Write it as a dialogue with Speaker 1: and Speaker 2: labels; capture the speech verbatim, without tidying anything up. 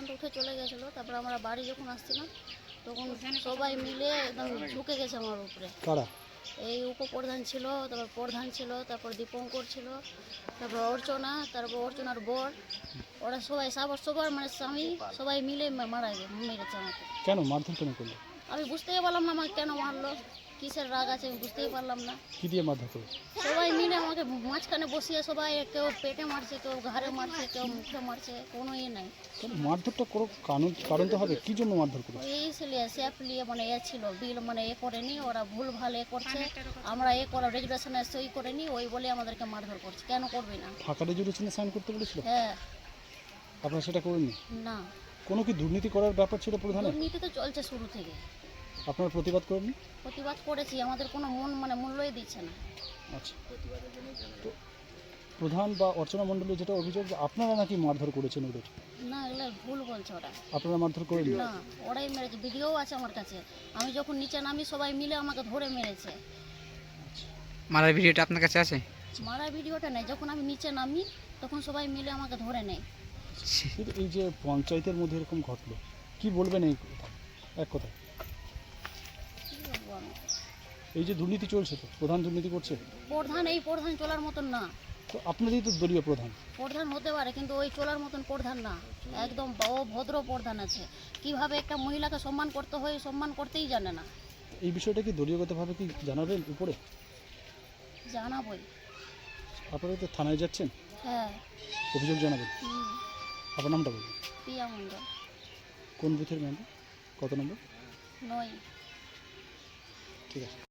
Speaker 1: পর্যন্ত উঠে চলে গেছিলো। তারপর আমরা বাড়ি যখন আসছিলাম তখন সবাই মিলে একদম ঝুঁকে গেছে আমার উপরে।
Speaker 2: কারা?
Speaker 1: এই উপপ্রধান ছিল, তারপর প্রধান ছিল, তারপর দীপঙ্কর ছিল, তারপর অর্চনা, তারপর অর্চনার বর, ওরা সবাই সবার সবার মানে স্বামী সবাই মিলে মা- মারা গে মেরেছে আমাকে।
Speaker 2: কেন মারধর কেন করলো?
Speaker 1: আমি বুঝতেই পারলাম না আমাকে কেন মারলো, কিসের রাগ আছে আমি বুঝতেই পারলাম না।
Speaker 2: কি দিয়ে মারধর করলো?
Speaker 1: সবাই মিলে আমাকে মাঝখানে বসিয়ে সবাই কেউ পেটে মারছে, কেউ ঘাড়ে মারছে, কেউ মুখে মারছে, কোনো ইয়ে নাই।
Speaker 2: কেন মারধরটা কোনো কারণ কারণ তো হবে, কি জন্য মারধর করলো?
Speaker 1: এই ছেলে স্যাপ নিয়ে মানে এ ছিল বিল মানে এ করেনি, ওরা ভুল ভাল এ করছে, আমরা এ করা রেজুলেশনে সই করেনি, ওই বলে আমাদেরকে মারধর করছে। কেন করবে না?
Speaker 2: ফাঁকা রেজুলেশনে সাইন করতে বলেছিল,
Speaker 1: হ্যাঁ।
Speaker 2: আপনারা সেটা করেননি?
Speaker 1: না,
Speaker 2: কোনো কি দুর্নীতি করার ব্যাপার ছিল প্রধানের?
Speaker 1: দুর্নীতি তো চলছে শুরু থেকে।
Speaker 2: আপনারা প্রতিবাদ করেননি?
Speaker 1: প্রতিবাদ করেছি, আমাদের কোনো মন মানে মূল্যই দিচ্ছে না।
Speaker 2: আচ্ছা, তো প্রধান বা অর্চনা মণ্ডলের যেটা অভিযোগ যে আপনারা নাকি মারধর করেছেন ওদের,
Speaker 1: না, এগুলো ভুল বলছে ওরা।
Speaker 2: আপনারা মারধর করেননি?
Speaker 1: না, ওরাই মেরেছে, ভিডিও আছে আমার কাছে। আমি যখন নিচে নামি সবাই মিলে আমাকে ধরে মেরেছে।
Speaker 3: মারার ভিডিওটা আপনার কাছে আছে?
Speaker 1: মারা ভিডিওটা নেই, যখন আমি নিচে নামি তখন সবাই মিলে আমাকে ধরে নেয়।
Speaker 2: কিন্তু এই যে পঞ্চায়েতের মধ্যে এরকম ঘটলো, কি বলবেন এই কথা এক কথায়?
Speaker 1: কি বলবো আমি?
Speaker 2: এই যে দুর্নীতি চলছে, তো প্রধান দুর্নীতি করছে,
Speaker 1: প্রধান এই প্রধান চলার মতন না।
Speaker 2: তো আপনারই তো দলীয় প্রধান।
Speaker 1: প্রধান হতে পারে কিন্তু ওই চলার মতন প্রধান না, একদম ও ভদ্র প্রধান আছে। কিভাবে একটা মহিলাকে সম্মান করতে হয় সম্মান করতেই জানে না।
Speaker 2: এই বিষয়টা কি দলীয়গতভাবে কি জানাবেন উপরে?
Speaker 1: জানাবই।
Speaker 2: আপনারা তো থানায় যাচ্ছেন,
Speaker 1: হ্যাঁ।
Speaker 2: অভিযোগ জানাবেন।
Speaker 1: হুম,
Speaker 2: আপনার নামটা বলুন।
Speaker 1: প্রিয়া মণ্ডল।
Speaker 2: কোন বুথের মেম্বার, কত নম্বর?
Speaker 1: নয়।
Speaker 2: ঠিক আছে।